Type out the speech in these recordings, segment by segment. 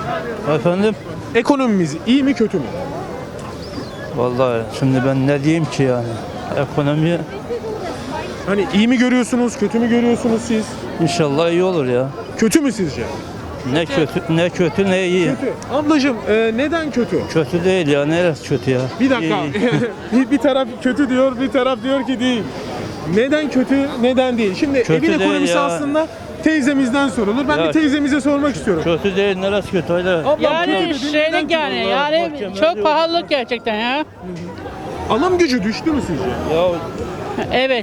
Efendim? Ekonomimiz iyi mi kötü mü? Vallahi şimdi ben ne diyeyim ki yani? Ekonomi Hani iyi mi görüyorsunuz, kötü mü görüyorsunuz siz? inşallah iyi olur ya. Kötü mü sizce? Ne kötü ne iyi. Kötü. Ablacığım neden kötü? Kötü değil ya. Neresi kötü ya? Bir dakika. İyi. bir taraf kötü diyor, bir taraf diyor ki değil. Neden kötü, neden değil? Şimdi Kötü evin değil ekonomisi ya. aslında teyzemizden sorulur. Ben Ya. bir teyzemize sormak istiyorum. Kötü değil. Neresi kötü öyle? Ablam Yani kötü dediğin neden şeylik kötü? yani. Vallahi Yani mahkemeler çok yok. pahalılık gerçekten ya. Alım gücü düştü mü sizce? Ya Evet.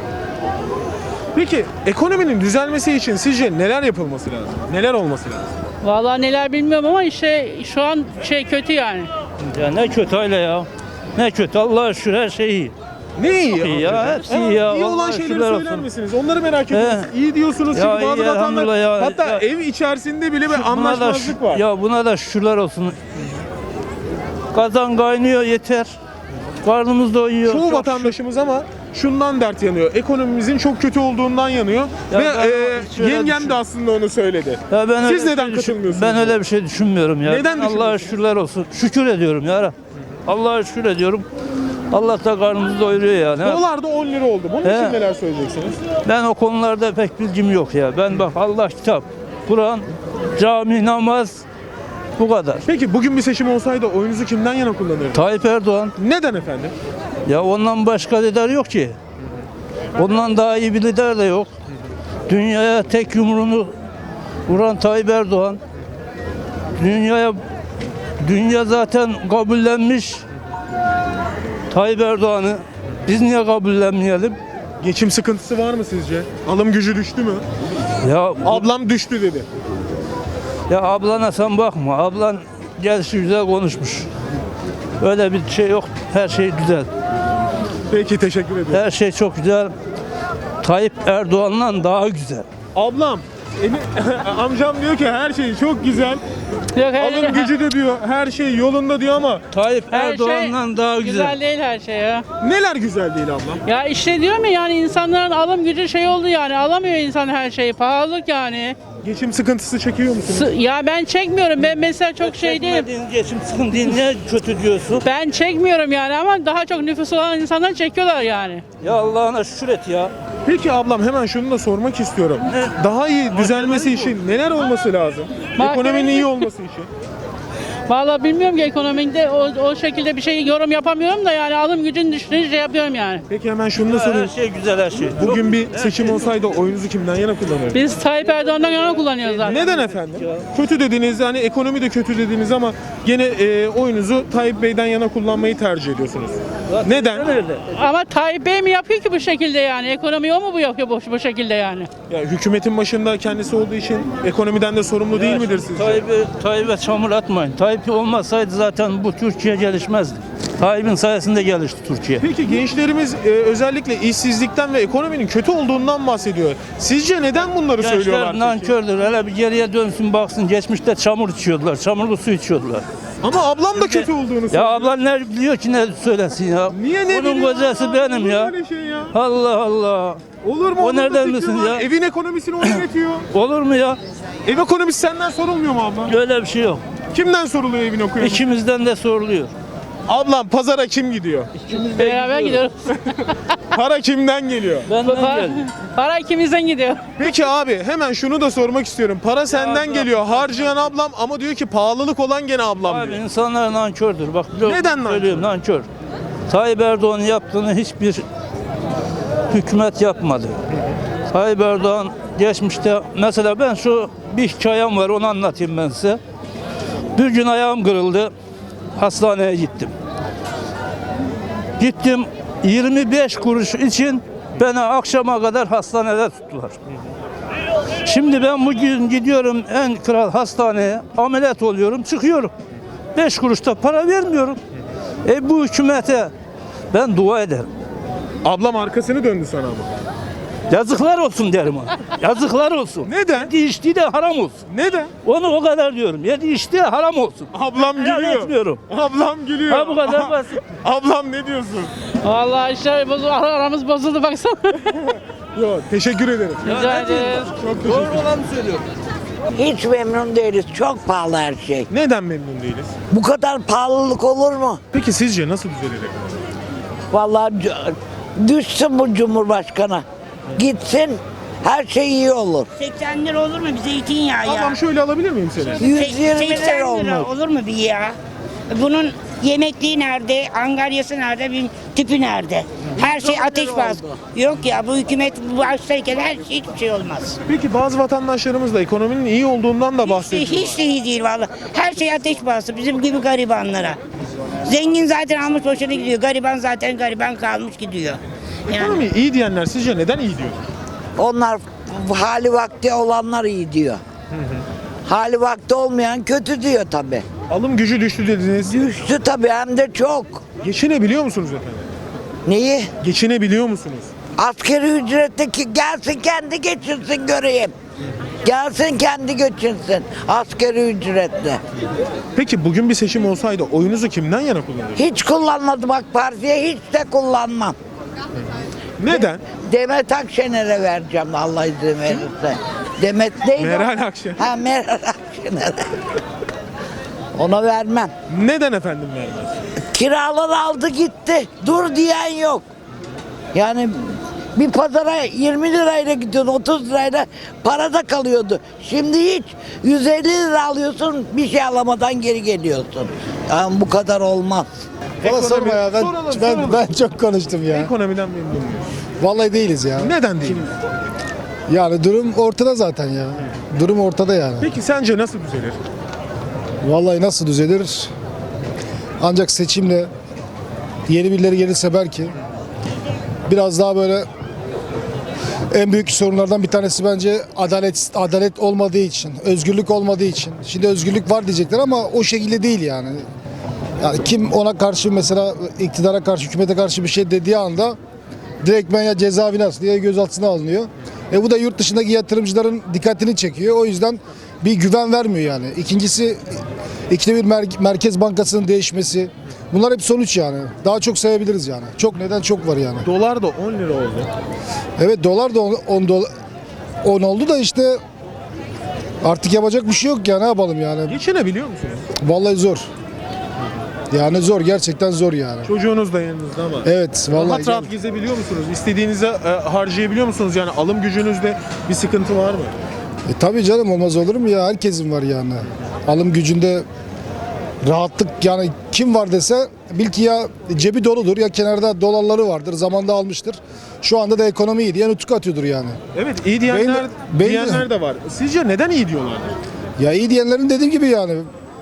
Peki ekonominin düzelmesi için sizce neler yapılması lazım? Neler olması lazım? Vallahi neler bilmiyorum ama işte şu an kötü yani. ya ne kötü öyle ya? Ne kötü? Allah'a şükür her şey iyi. Ne iyi iyi ya, amcacığım? hepsi iyi ya. İyi olan Vallahi şeyleri şükürler söyler olsun. misiniz? Onları merak ediyoruz. İyi diyorsunuz Ya çünkü bazı iyi, elhamdülillah vatandaşlar ya. hatta Ya. ev içerisinde bile bir Buna da anlaşmazlık var. Ya buna da şükürler olsun. Kazan kaynıyor yeter. Karnımız doyuyor. Çoğu Çok vatandaşımız ama şundan dert yanıyor. Ekonomimizin çok kötü olduğundan yanıyor. Ya Ve ben hiç öyle yengem düşün- de aslında onu söyledi. Ya ben Siz öyle bir neden şey katılmıyorsunuz? Ben öyle bir şey düşünmüyorum ya. Neden Ben Allah'a düşünmüyorsunuz? şükürler olsun. Şükür ediyorum ya. Allah'a şükür ediyorum. Allah da karnımızı doyuruyor yani. Dolar da 10 lira oldu. Bunun için He. neler söyleyeceksiniz? Ben o konularda pek bilgim yok ya. Ben bak Allah kitap, Kur'an, cami, namaz bu kadar. Peki bugün bir seçim olsaydı oyunuzu kimden yana kullanırdınız? Tayyip Erdoğan. Neden efendim? Ya ondan başka lider yok ki. Ondan daha iyi bir lider de yok. Dünyaya tek yumruğunu vuran Tayyip Erdoğan. Dünya zaten kabullenmiş Tayyip Erdoğan'ı. Biz niye kabullenmeyelim? Geçim sıkıntısı var mı sizce? Alım gücü düştü mü? Ya Ablam düştü dedi. ya ablana sen bakma. Ablan gelişi güzel konuşmuş. Öyle bir şey yok. Her şey güzel. Peki teşekkür ederim. Her şey çok güzel. Tayyip Erdoğan'dan daha güzel. Ablam, amcam diyor ki her şey çok güzel. Yok, Alım gücü de diyor her şey yolunda diyor ama Tayyip her Erdoğan'dan daha güzel. Güzel değil her şey ya. neler güzel değil ablam? Ya işte diyorum ya yani insanların alım gücü oldu yani. Alamıyor insan her şeyi. Pahalılık yani. Geçim sıkıntısı çekiyor musunuz? Ya ben çekmiyorum. Ben mesela çok şey değilim. Çekmediğin geçim sıkıntıyı niye kötü diyorsun? Ben çekmiyorum yani ama daha çok nüfus olan insanlar çekiyorlar yani. Ya Allah'ına şükür et ya. Peki ablam hemen şunu da sormak istiyorum. Daha iyi düzelmesi için neler olması lazım? Ekonominin iyi olması için. Vallahi bilmiyorum ki ekonomide o şekilde bir şey yorum yapamıyorum da yani alım gücün düştüğünü şey yapıyorum yani. Peki hemen şunu da Her sorayım. şey güzel her şey. Bugün bir seçim olsaydı oyunuzu kimden yana kullanırdınız? Biz Tayyip Erdoğan'dan yana kullanıyoruz zaten. Neden efendim? Kötü dediniz, hani ekonomi de kötü dediniz ama gene oyunuzu Tayyip Bey'den yana kullanmayı tercih ediyorsunuz. Neden? Öyle. Ama Tayyip Bey mi yapıyor ki bu şekilde yani? Ekonomi o mu bu yapıyor bu şekilde yani? Ya hükümetin başında kendisi olduğu için ekonomiden de sorumlu değil midir sizce? Tayyip'e çamur atmayın. Tayyip olmasaydı zaten bu Türkiye gelişmezdi. Tayyip'in sayesinde gelişti Türkiye. Peki gençlerimiz özellikle işsizlikten ve ekonominin kötü olduğundan bahsediyor. Sizce neden bunları söylüyorlar? Gençler peki? nankördür. Hele bir geriye dönsün baksın. Geçmişte çamur içiyordular. Çamurlu su içiyordular. Ama ablam da kötü olduğunu söylüyor. Ya ablan ne biliyor ki ne söylesin ya? Niye ne Onun biliyor kocası ya? benim Olur ya. mu öyle şey ya? Allah Allah. Olur mu? O Olur da nereden fikri bilsin var. ya? Evin ekonomisini o yönetiyor. Olur mu ya? Ev ekonomisi senden sorulmuyor mu abla? Öyle bir şey yok. Kimden soruluyor evin ekonomisi? İkimizden de soruluyor. Ablam pazara kim gidiyor? Beraber gidiyoruz. Para kimden geliyor? Benden para, geldi. para ikimizden gidiyor. Peki abi hemen şunu da sormak istiyorum. Para senden abla. geliyor. Harcayan ablam ama diyor ki pahalılık olan gene ablam Abi diyor. insanlar nankördür. Bak biliyorum, Neden nankör? söylüyorum nankör. Tayyip Erdoğan'ın yaptığını hiçbir hükümet yapmadı. Tayyip Erdoğan geçmişte mesela ben bir hikayem var onu anlatayım ben size. Bir gün ayağım kırıldı. Hastaneye gittim. Gittim 25 kuruş için beni akşama kadar hastanede tuttular. Şimdi ben bugün gidiyorum en kral hastaneye, ameliyat oluyorum, çıkıyorum. 5 kuruşta para vermiyorum. Bu hükümete ben dua ederim. Ablam arkasını döndü sana ama. Yazıklar olsun derim ona. Yazıklar olsun. Neden? Yedi içtiği de haram olsun. Neden? Onu o kadar diyorum. Yedi içtiği haram olsun. Ablam Helal gülüyor. etmiyorum. Ablam gülüyor. Ha bu kadar basit. Ablam ne diyorsun? Vallahi işte aramız bozuldu baksana. Yok teşekkür ederim. Rica ederim. Çok teşekkür ederim. Doğru olanı söylüyorum. Hiç memnun değiliz. Çok pahalı her şey. Neden memnun değiliz? Bu kadar pahalılık olur mu? Peki sizce nasıl düzelir ekonomi? Vallahi düşsün bu Cumhurbaşkanı. Gitsin, her şey iyi olur. 80 lira olur mu bir zeytinyağı ya? Ablam şöyle alabilir miyim seni? 120 80 lira olmuş. olur mu bir ya? Bunun yemekliği nerede, angaryası nerede, bir tipi nerede? Her şey ateş bastı. Yok ya, bu hükümet başlarken her şey hiçbir şey olmaz. Peki bazı vatandaşlarımız da ekonominin iyi olduğundan da bahsediyor. Hiç de iyi değil vallahi. Her şey ateş bastı bizim gibi garibanlara. Zengin zaten almış başına gidiyor. Gariban zaten gariban kalmış gidiyor. Yani Ekonomi iyi diyenler sizce neden iyi diyor? Onlar hali vakti olanlar iyi diyor. Hali vakti olmayan kötü diyor tabii. Alım gücü düştü dediniz. Düştü tabii, hem de çok. Geçinebiliyor musunuz efendim? Neyi? Geçinebiliyor musunuz? Asgari ücretteki gelsin kendi geçinsin göreyim. Gelsin kendi geçinsin asgari ücretle. Peki bugün bir seçim olsaydı oyunuzu kimden yana kullanırdınız? Hiç kullanmadım AK Parti'ye, hiç de kullanmam. Neden? Demet Akşener'e vereceğim Allah izin verirse. Demet neydi? Meral Akşener. Ha, Meral Akşener'e. Ona vermem. Neden efendim vermez? Kiralar aldı gitti. Dur diyen yok. Yani bir pazara 20 lirayla gidiyorsun, 30 lirayla para da kalıyordu. Şimdi hiç 150 lira alıyorsun, bir şey alamadan geri geliyorsun. Yani bu kadar olmaz. Bana sorma ya, Soralım. ben çok konuştum ya. Ekonomiden memnun muyuz? Vallahi değiliz ya. Neden değil? Yani durum ortada zaten ya. Durum ortada yani. Peki sence nasıl düzelir? Vallahi nasıl düzelir? Ancak seçimle yeni birileri gelirse belki biraz daha böyle, en büyük sorunlardan bir tanesi bence adalet olmadığı için, özgürlük olmadığı için. Şimdi özgürlük var diyecekler ama o şekilde değil yani. Yani kim ona karşı, mesela iktidara karşı, hükümete karşı bir şey dediği anda direktmen ya cezaevine asılıyor ya gözaltına alınıyor. Bu da yurt dışındaki yatırımcıların dikkatini çekiyor. O yüzden bir güven vermiyor yani. İkincisi, ikide bir Merkez Bankası'nın değişmesi. Bunlar hep sonuç yani. Daha çok sayabiliriz yani. Çok, neden çok var yani. Dolar da 10 lira oldu. Evet, dolar da 10 oldu da işte artık yapacak bir şey yok ya, ne yapalım yani. Geçinebiliyor musunuz? Vallahi zor. Yani zor, gerçekten zor yani. Çocuğunuz da yanınızda ama. Evet, vallahi. Rahat gezebiliyor musunuz? İstediğinizi harcayabiliyor musunuz? Yani alım gücünüzde bir sıkıntı var mı? Tabii canım, olmaz olur mu ya, herkesin var yani. Alım gücünde rahatlık yani, kim var dese bil ki ya cebi doludur ya kenarda dolarları vardır, zamanda almıştır. Şu anda da ekonomi iyi diye nutuk atıyordur yani. Evet, iyi diyenler de var. Sizce neden iyi diyorlar? Ya iyi diyenlerin dediğim gibi yani.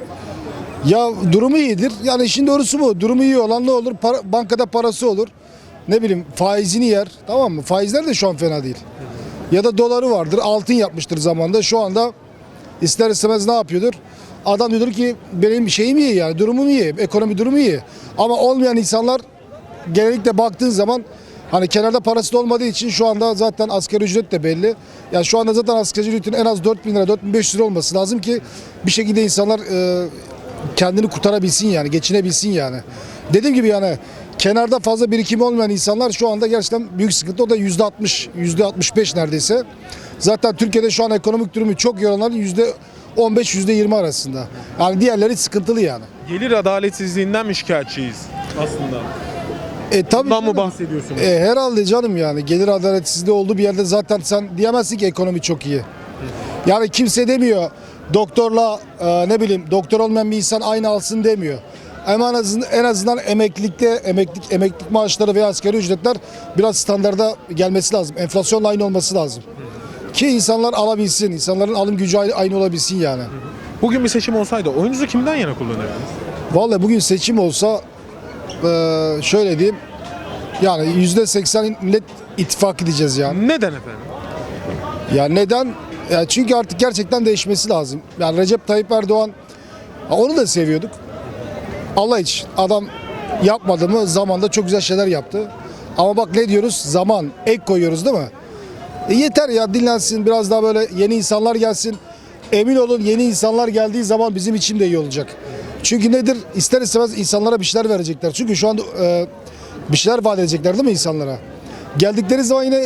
Ya durumu iyidir. Yani işin doğrusu bu. Durumu iyi olan ne olur? Bankada parası olur. Ne bileyim, faizini yer. Tamam mı? Faizler de şu an fena değil. Ya da doları vardır. Altın yapmıştır zamanda. Şu anda ister istemez ne yapıyordur? Adam diyordur ki benim şeyim iyi yani. Durumum iyi. Ekonomi durumu iyi. Ama olmayan insanlar genellikle baktığın zaman hani kenarda parası da olmadığı için şu anda zaten asgari ücret de belli. Yani şu anda zaten asgari ücretin en az 4.000 lira, 4.500 lira olması lazım ki bir şekilde insanlar kendini kurtarabilsin yani, geçinebilsin yani. Dediğim gibi yani kenarda fazla birikimi olmayan insanlar şu anda gerçekten büyük sıkıntı. O da %60, %65 neredeyse. Zaten Türkiye'de şu an ekonomik durumu çok iyi olanların %15, %20 arasında. Yani diğerleri sıkıntılı yani. Gelir adaletsizliğinden mi şikayetçiyiz aslında? Tabii Bundan mı canım. bahsediyorsunuz? Herhalde canım yani. Gelir adaletsizliği olduğu bir yerde zaten sen diyemezsin ki ekonomi çok iyi. Yani kimse demiyor doktorla ne bileyim doktor olmayan bir insan aynı alsın demiyor. Ama en azından emeklilik maaşları veya asgari ücretler biraz standarda gelmesi lazım. Enflasyonla aynı olması lazım. Ki insanlar alabilsin, insanların alım gücü aynı olabilsin yani. Bugün bir seçim olsaydı oyunuzu kimden yana kullanırdınız? Vallahi bugün seçim olsa şöyle diyeyim, yani %80 Millet İttifakı diyeceğiz yani. Neden efendim? Ya neden? Ya çünkü artık gerçekten değişmesi lazım. Yani Recep Tayyip Erdoğan, onu da seviyorduk. Allah için adam yapmadı mı? Zamanda çok güzel şeyler yaptı. Ama bak ne diyoruz? Zaman, ek koyuyoruz değil mi? Yeter ya, dinlensin, biraz daha böyle yeni insanlar gelsin. Emin olun, yeni insanlar geldiği zaman bizim için de iyi olacak. Çünkü nedir? İster istemez insanlara bir şeyler verecekler. Çünkü şu anda bir şeyler vaat edecekler değil mi insanlara? Geldikleri zaman yine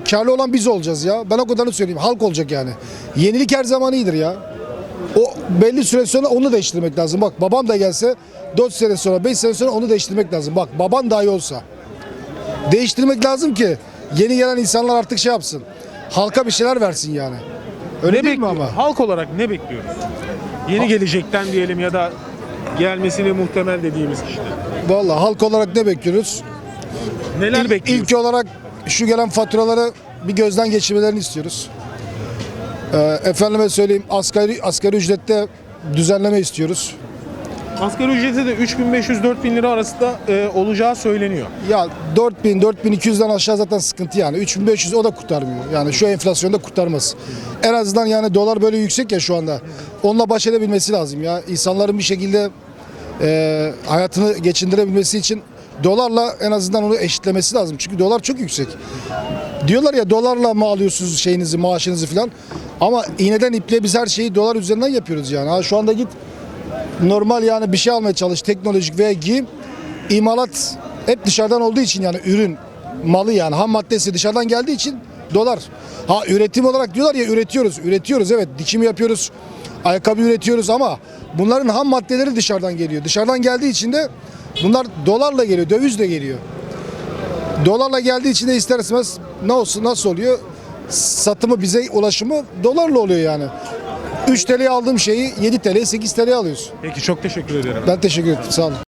karlı olan biz olacağız ya. Ben o kadarını söyleyeyim. Halk olacak yani. Yenilik her zaman iyidir ya. O belli süre sonra onu değiştirmek lazım. Bak babam da gelse 4 sene sonra 5 sene sonra onu değiştirmek lazım. Bak baban dahi olsa. Değiştirmek lazım ki yeni gelen insanlar artık şey yapsın. Halka bir şeyler versin yani. Öyle Ne değil mi bekliyoruz? ama? Halk olarak ne bekliyoruz? Yeni gelecekten diyelim ya da gelmesini muhtemel dediğimiz kişiden. Vallahi halk olarak ne bekliyoruz? Neler bekliyoruz? İlk olarak şu gelen faturaları bir gözden geçirmelerini istiyoruz. Efendime söyleyeyim asgari ücrette düzenleme istiyoruz. Asgari ücreti de 3500-4000 lira arasında olacağı söyleniyor. Ya 4000-4200'den aşağı zaten sıkıntı yani. 3500 o da kurtarmıyor. Yani şu enflasyonda kurtarmaz. En azından yani dolar böyle yüksek ya şu anda. Onunla baş edebilmesi lazım ya. İnsanların bir şekilde hayatını geçindirebilmesi için dolarla en azından onu eşitlemesi lazım. Çünkü dolar çok yüksek. Diyorlar ya dolarla mı alıyorsunuz şeyinizi, maaşınızı falan. Ama iğneden ipliğe biz her şeyi dolar üzerinden yapıyoruz yani. Ha, şu anda git normal yani bir şey almaya çalış, teknolojik veya giyim, imalat hep dışarıdan olduğu için yani ürün, malı yani ham maddesi dışarıdan geldiği için dolar. Ha üretim olarak diyorlar ya üretiyoruz evet dikim yapıyoruz, ayakkabı üretiyoruz ama bunların ham maddeleri dışarıdan geliyor. Dışarıdan geldiği için de bunlar dolarla geliyor, dövizle geliyor. Dolarla geldiği için de ister istemez nasıl oluyor? Satımı bize ulaşımı dolarla oluyor yani. 3 TL'ye aldığım şeyi 7 TL 8 TL'ye alıyorsun. Peki çok teşekkür ederim. Ben teşekkür ederim. Sağ olun.